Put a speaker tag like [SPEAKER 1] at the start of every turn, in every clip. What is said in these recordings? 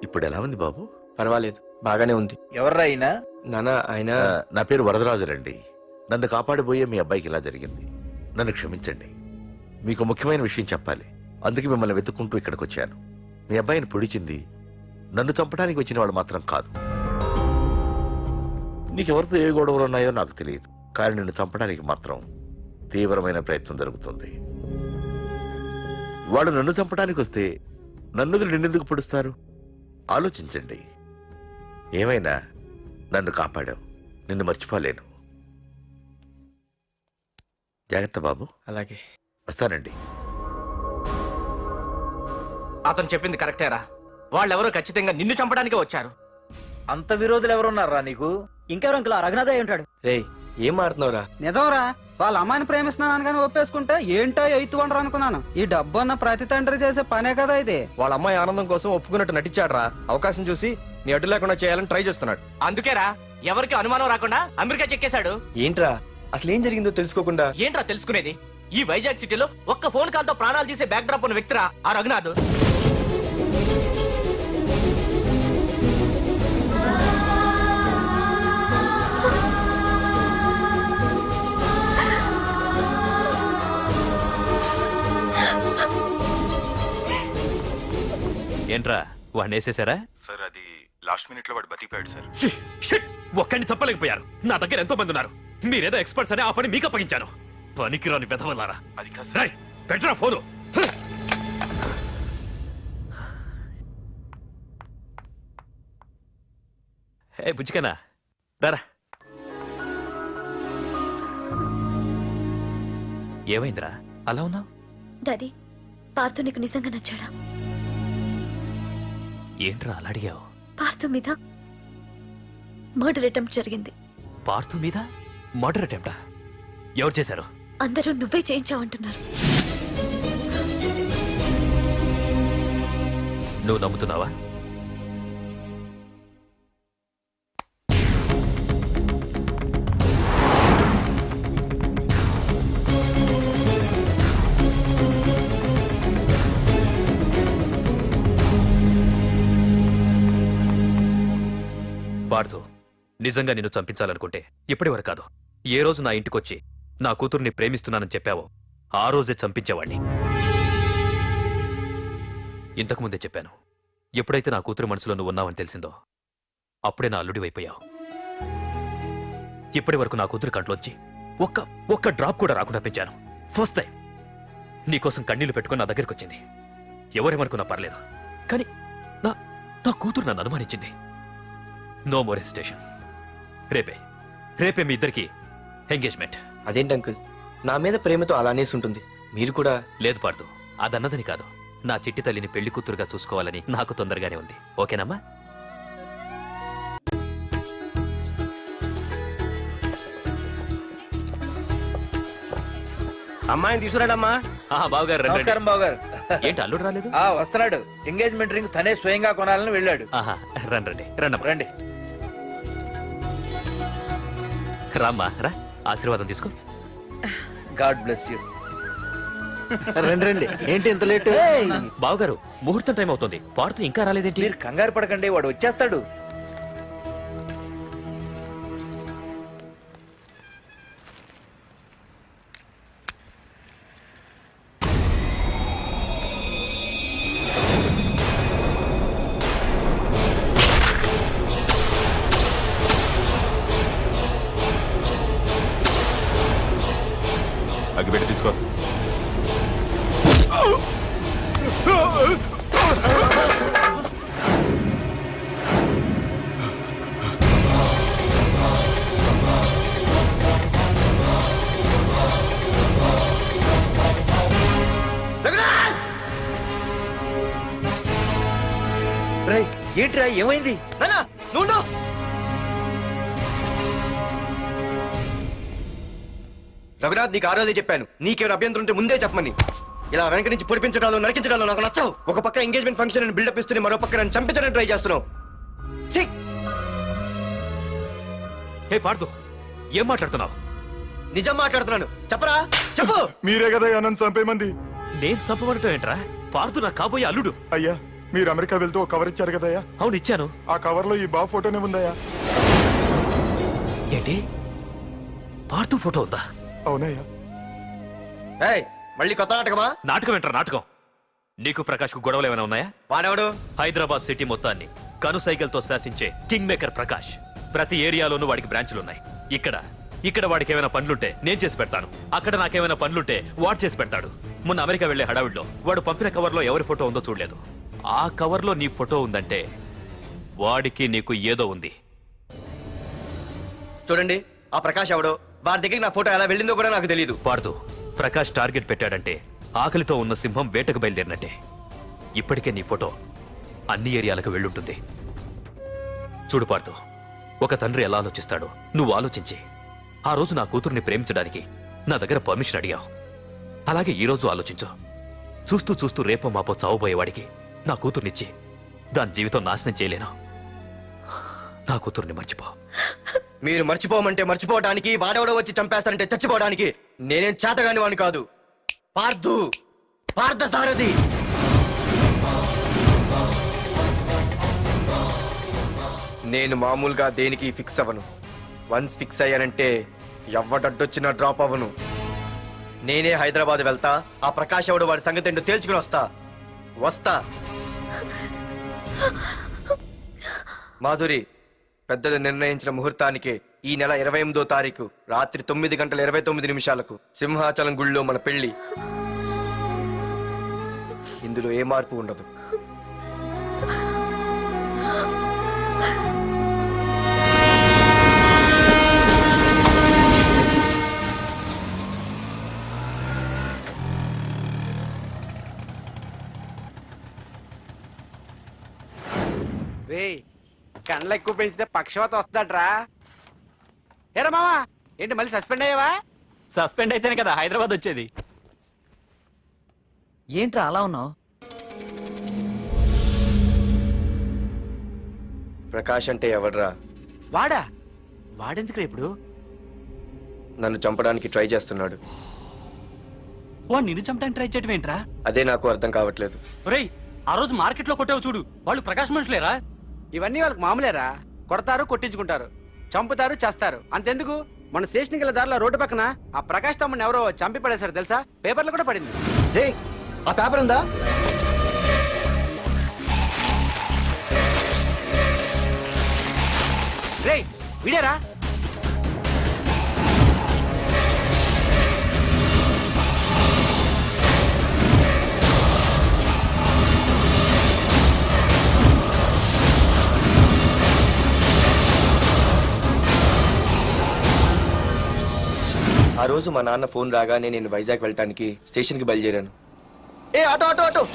[SPEAKER 1] ఇప్పుడు ఎలా ఉంది బాబు?
[SPEAKER 2] పర్వాలేదు, బాగానే ఉంది.
[SPEAKER 3] ఎవర్రా అయినా?
[SPEAKER 2] నాన్న ఆయన
[SPEAKER 1] నా పేరు వరదరాజులండి. నన్ను కాపాడిపోయే మీ అబ్బాయికి ఇలా జరిగింది. నన్ను క్షమించండి. మీకు ముఖ్యమైన విషయం చెప్పాలి. అందుకే మిమ్మల్ని వెతుక్కుంటూ ఇక్కడికి వచ్చాను. మీ అబ్బాయిని పొడిచింది నన్ను చంపడానికి వచ్చిన వాడు మాత్రం కాదు. నీకెవరితో ఏ గొడవలు ఉన్నాయో నాకు తెలియదు, కానీ నిన్ను చంపడానికి మాత్రం తీవ్రమైన ప్రయత్నం జరుగుతుంది. వాడు నన్ను చంపడానికి వస్తే నన్ను నిన్నెందుకు పొడుస్తారు? ఆలోచించండి. ఏమైనా నన్ను కాపాడావు, నిన్ను మర్చిపోలేను. జాగ్రత్త బాబు.
[SPEAKER 2] అలాగే
[SPEAKER 1] వస్తానండి.
[SPEAKER 4] అతను చెప్పింది కరెక్టేరా. వాళ్ళెవరో ఖచ్చితంగా నిన్ను చంపడానికే వచ్చారు.
[SPEAKER 3] అంత విరోధులు ఎవరున్నారా నీకు?
[SPEAKER 5] ఇంకెవరు అంకుల్? రఘునాథ్ అయి ఉంటాడు.
[SPEAKER 2] రే, ఏం మారుతున్నావురా?
[SPEAKER 5] నిజంరా, వాళ్ళ అమ్మాయిని ప్రేమిస్తున్నాను కానీ ఒప్పేసుకుంటే ఏంటో ఎయిత్ వండరు అనుకున్నాను. ఈ డబ్బు అన్న ప్రతి తండ్రి చేసే పనే కదా ఇది.
[SPEAKER 6] వాళ్ళ అమ్మాయి ఆనందం కోసం ఒప్పుకున్నట్టు నటించాడ్రా. అవకాశం చూసి నీ అడ్డు లేకుండా చేయాలని ట్రై చేస్తున్నాడు.
[SPEAKER 4] అందుకేరా ఎవరికి అనుమానం రాకుండా అమెరికా చెక్కేశాడు.
[SPEAKER 2] ఏంట్రా అసలు ఏం జరిగిందో తెలుసుకోకుండా?
[SPEAKER 4] ఏంట్రా తెలుసుకునేది? ఈ వైజాగ్ సిటీలో ఒక్క ఫోన్ కాల్ తో ప్రాణాలు తీసే బ్యాక్ డ్రాప్ ఉన్న వ్యక్తిరా ఆ రఘునాథ్.
[SPEAKER 7] ఏంట్రా వాడిని వేసేసారా?
[SPEAKER 8] సార్ అది లాస్ట్ మినిట్ లో వాడు బతికిపోయాడు సార్.
[SPEAKER 7] ఒక్కడిని చంపలేకపోయారు. నా దగ్గర ఎంతో మంది ఉన్నారు. మీరేదో ఎక్స్పర్ట్స్ అని ఆ పని మీకు అప్పగించాను. పనికిరాని వెధవలారా.
[SPEAKER 8] అది కాదు సార్.
[SPEAKER 7] పెట్టరా ఫోను. ఏ బుజ్జికనా రారా. ఏమైందిరా అలా ఉన్నావు?
[SPEAKER 9] డాడీ, పార్థు నీకు నిజంగా నచ్చాడా?
[SPEAKER 7] ఏంట్రా అలా అడిగావు?
[SPEAKER 9] పార్థు మీద మర్డర్ అటెంప్ట్ జరిగింది.
[SPEAKER 7] పార్థు మీద మర్డర్ అటెంప్టా? ఎవరు చేశారు?
[SPEAKER 9] అందరూ నువ్వే చేయించావంటున్నారు.
[SPEAKER 7] నువ్వు నమ్ముతున్నావా? పార్థు, నిజంగా నిన్ను చంపించాలనుకుంటే ఇప్పటి వరకు కాదు, ఏ రోజు నా ఇంటికొచ్చి నా కూతుర్ని ప్రేమిస్తున్నానని చెప్పావో ఆ రోజే చంపించేవాణ్ణి. ఇంతకుముందే చెప్పాను, ఎప్పుడైతే నా కూతురు మనసులో నువ్వు ఉన్నావని తెలిసిందో అప్పుడే నా అల్లుడి వైపోయావు. ఇప్పటి వరకు నా కూతురు కంట్లోంచి ఒక్క డ్రాప్ కూడా రాకుండా పెంచాను. ఫస్ట్ టైం నీకోసం కన్నీళ్లు పెట్టుకుని నా దగ్గరికి వచ్చింది. ఎవరేమనుకున్నా పర్లేదు, కానీ నా కూతురు నన్ను అనుమానించింది. No more hesitation. రేపే మీ ఇద్దరికి ఎంగేజ్మెంట్.
[SPEAKER 2] అదేంటి అంకుల్, నా మీద ప్రేమతో అలా అనేసి ఉంటుంది. మీరు కూడా?
[SPEAKER 7] లేదు పార్థు, అదన్నదని కాదు. నా చిట్టి తల్లిని పెళ్లి కూతురుగా చూసుకోవాలని నాకు తొందరగానే ఉంది. ఓకేనమ్మా?
[SPEAKER 6] అమ్మాయిని తీసుకురాడమ్మా.
[SPEAKER 7] బావగారు రండి.
[SPEAKER 3] నమస్కారం బాబు గారు.
[SPEAKER 7] ఏంటి అల్లుడు రాలేదు?
[SPEAKER 3] వస్తున్నాడు. ఎంగేజ్మెంట్ రింగ్ తనే స్వయంగా కొనాలని వెళ్ళాడు.
[SPEAKER 7] రండి రండమ్మా.
[SPEAKER 3] రండి.
[SPEAKER 7] రామ్మా రా, ఆశీర్వాదం తీసుకో.
[SPEAKER 3] God bless you.
[SPEAKER 2] రండి రండి. ఏంటి ఇంత లేట్?
[SPEAKER 7] బావగారు, ముహూర్తం టైం అవుతుంది. పార్థు ఇంకా రాలేదేంటి?
[SPEAKER 3] మీరు కంగారు పడకండి, వాడు వచ్చేస్తాడు.
[SPEAKER 8] అగ్గిపెట్టి తీసుకో.
[SPEAKER 3] ఏంట్రా ఏమైంది?
[SPEAKER 6] రఘునాథ్, నీకు ఆ రోజే చెప్పాను, నీకేమైనా అభ్యంతరం ఉంటే ముందే చెప్పమని. ఇలా వెనక నుంచి పొడిపించడాలు నరికించడాలు నాకు నచ్చవు. ఒక పక్క ఎంగేజ్మెంట్ ఫంక్షన్ బిల్డప్ ఇస్తూనే మరో పక్క నన్ను చంపించడానికి ట్రై చేస్తున్నావు.
[SPEAKER 7] హే పార్థు, ఏం మాట్లాడుతున్నావు?
[SPEAKER 6] నిజం మాట్లాడుతున్నాను, చెప్పరా చెప్పు.
[SPEAKER 8] మీరే కదా అనంత్ చంపేమంది.
[SPEAKER 7] నేను చంపబడటం ఏంట్రా? పార్థు నా కాబోయే అల్లుడు.
[SPEAKER 8] అయ్యా, మీరు అమెరికా వెళ్తూ ఒక కవర్ ఇచ్చారు కదయ్యా,
[SPEAKER 7] అవును ఇచ్చాను.
[SPEAKER 8] ఆ కవర్ లో ఈ బాబు ఫోటోనే ఉందయ్యా.
[SPEAKER 7] ఏంటి పార్థు ఫోటో ఉందా?
[SPEAKER 8] అవునయ్యా.
[SPEAKER 6] ఏయ్, మళ్ళీ కొత్త నాటకమా?
[SPEAKER 7] నాటకం ఏంట్రా నాటకం? నీకు ప్రకాష్ కు గొడవలు ఏమైనా ఉన్నాయా?
[SPEAKER 6] వాడెవడు?
[SPEAKER 7] హైదరాబాద్ సిటీ మొత్తాన్ని కనుసైగలతో శాసించే కింగ్ మేకర్ ప్రకాష్. ప్రతి ఏరియాలోనూ వాడికి బ్రాంచులున్నాయి. ఇక్కడ వాడికి ఏమైనా పనులుంటే నేను చేసి పెడతాను, అక్కడ నాకేమైనా పనులుంటే వాడు చేసి పెడతాడు. మొన్న అమెరికా వెళ్లే హడావిడిలో వాడు పంపిన కవర్లో ఎవరి ఫోటో ఉందో చూడలేదు. ఆ కవర్లో నీ ఫోటో ఉందంటే వాడికి నీకు ఏదో ఉంది.
[SPEAKER 6] చూడండి, ఆ ప్రకాష్ ఎవడో, వారి దగ్గరికి నా ఫోటో ఎలా వెళ్ళిందో కూడా నాకు తెలియదు.
[SPEAKER 7] పార్థు, ప్రకాష్ టార్గెట్ పెట్టాడంటే ఆకలితో ఉన్న సింహం వేటకు బయలుదేరినట్టే. ఇప్పటికే నీ ఫోటో అన్ని ఏరియాలకు వెళ్ళుంటుంది. చూడు పార్థు, ఒక తండ్రి ఎలా ఆలోచిస్తాడో నువ్వు ఆలోచించి ఆ రోజు నా కూతుర్ని ప్రేమించడానికి నా దగ్గర పర్మిషన్ అడిగావు. అలాగే ఈ రోజు ఆలోచించు. చూస్తూ చూస్తూ రేపో మాపో చావబోయేవాడికి నా కూతుర్నిచ్చి దాని జీవితం నాశనం చేయలేను. నా కూతుర్ని మర్చిపో.
[SPEAKER 6] మీరు మర్చిపోమంటే మర్చిపోవడానికి, వాడెవడో వచ్చి చంపేస్తానంటే చచ్చిపోవడానికి నేనేం చేతగాని వాడిని కాదు. పార్థ సారథి. నేను మామూలుగా దేనికి ఫిక్స్ అవ్వను. వన్స్ ఫిక్స్ అయ్యానంటే ఎవ్వడడ్డొచ్చినా డ్రాప్ అవ్వను. నేనే హైదరాబాద్ వెళ్తా, ఆ ప్రకాష్ ఎవడు వాడి సంగతి ఏంటో తేల్చుకుని వస్తా. మాధురి, పెద్దలు నిర్ణయించిన ముహూర్తానికి ఈ నెల 28వ తారీఖు రాత్రి 9:29 సింహాచలం గుళ్ళో మన పెళ్లి. ఇందులో ఏ మార్పు ఉండదు.
[SPEAKER 3] రే, కండ్లు ఎక్కువ పెంచితే పక్షవాత వస్తాడ్రా. ఏరా మావా, ఏంటి మళ్ళీ సస్పెండ్ అయ్యావా?
[SPEAKER 4] సస్పెండ్ అయితేనే కదా హైదరాబాద్ వచ్చేది.
[SPEAKER 5] ఏంట్రా అలా ఉన్నావు?
[SPEAKER 6] ప్రకాష్ అంటే ఎవడ్రా?
[SPEAKER 3] వాడెందుకు ఇప్పుడు?
[SPEAKER 6] నన్ను చంపడానికి ట్రై చేస్తున్నాడు.
[SPEAKER 5] వాడు నిన్ను చంపడానికి ట్రై చేయడం ఏంట్రా?
[SPEAKER 6] అదే నాకు అర్థం కావట్లేదు.
[SPEAKER 5] ఒరేయ్, ఆ రోజు మార్కెట్ లో కొట్టావు చూడు, వాళ్ళు ప్రకాశ్ మనుషులేరా?
[SPEAKER 3] ఇవన్నీ వాళ్ళకి మామూలేరా. కొడతారు, కొట్టించుకుంటారు, చంపుతారు, చేస్తారు. అంతెందుకు, మన స్టేషన్కి వెళ్ళే దారిలో రోడ్డు పక్కన ఆ ప్రకాష్ తమ్ముని ఎవరో చంపి పడేశారు తెలుసా? పేపర్లు కూడా పడింది.
[SPEAKER 6] రే, ఆ పేపర్ ఉందా?
[SPEAKER 3] రే, వీడేరా.
[SPEAKER 6] ఆ రోజు మా నాన్న ఫోన్ రాగానే నేను వైజాగ్ వెళ్ళటానికి స్టేషన్కి బయలుదేరాను. ఏ ఆటో ఆటో ఆటో!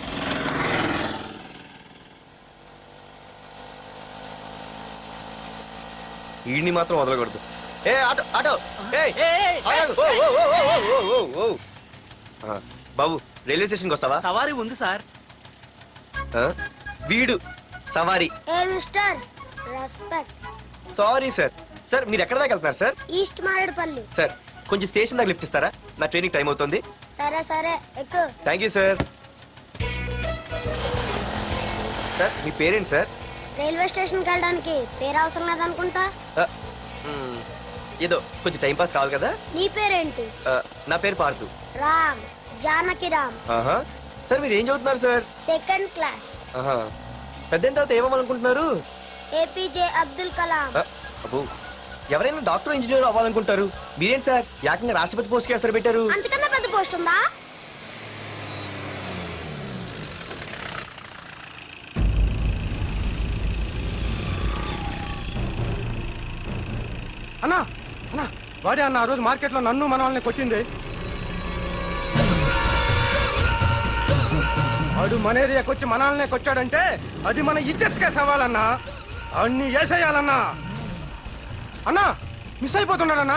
[SPEAKER 6] ఈడిని మాత్రం వదలకూడదు. ఏ ఆటో ఆటో! ఆగు! ఓ! బాబు, రైల్వే స్టేషన్కి వస్తావా?
[SPEAKER 5] సవారీ ఉంది సార్.
[SPEAKER 6] ఆ? వీడు సవారీ.
[SPEAKER 10] ఏ mister, respect.
[SPEAKER 6] Sorry sir. Sir, మీరు ఎక్కడ దాకా వెళ్తున్నారు సార్?
[SPEAKER 10] ఈస్ట్ మారేడుపల్లి.
[SPEAKER 6] సార్, కొంచెం స్టేషన్ దాకా లిఫ్ట్ ఇస్తారా? నా ట్రైనింగ్ టైం అవుతుంది.
[SPEAKER 10] సరే ఎక్కు.
[SPEAKER 6] Thank you sir. సార్, మీ పేరేంటి సార్?
[SPEAKER 10] రైల్వే స్టేషన్కి వెళ్ళడానికి పేరు అవసరం లేదనుకుంటా.
[SPEAKER 6] ఏదో కొంచెం టైం పాస్ కావాలి కదా.
[SPEAKER 10] నీ పేరేంటి?
[SPEAKER 6] నా పేరు పార్థు.
[SPEAKER 10] రామ్, జానకి రామ్.
[SPEAKER 6] ఆహా. సార్, మీరు ఏం చదువుతున్నారు సార్?
[SPEAKER 10] Second class.
[SPEAKER 6] ఆహా. పెద్ద తర్వాత ఏమనుకుంటున్నారు?
[SPEAKER 10] ఏపీజే అబ్దుల్ కలాం.
[SPEAKER 6] అబ్బో, ఎవరైనా డాక్టర్ ఇంజనీర్ అవ్వాలనుకుంటారు. మీరేం సార్ ఏకంగా రాష్ట్రపతి పోస్ట్ కి ఎసరు పెట్టారు?
[SPEAKER 10] అంతకన్నా పెద్ద పోస్ట్ ఉందా?
[SPEAKER 3] అన్నా, వాడే అన్న ఆ రోజు మార్కెట్ లో నన్ను మన వాళ్ళని కొట్టింది. వాడు మన ఏరియాకి వచ్చి మనల్నే కొట్టాడంటే అది మన ఇజ్జత్కే సవాలన్నా. అన్ని వేసేయాలన్నా. అన్నా, మిస్ అయిపోతున్నాడన్నా.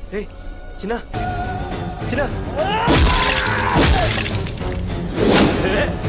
[SPEAKER 2] రే చిన్న చిన్న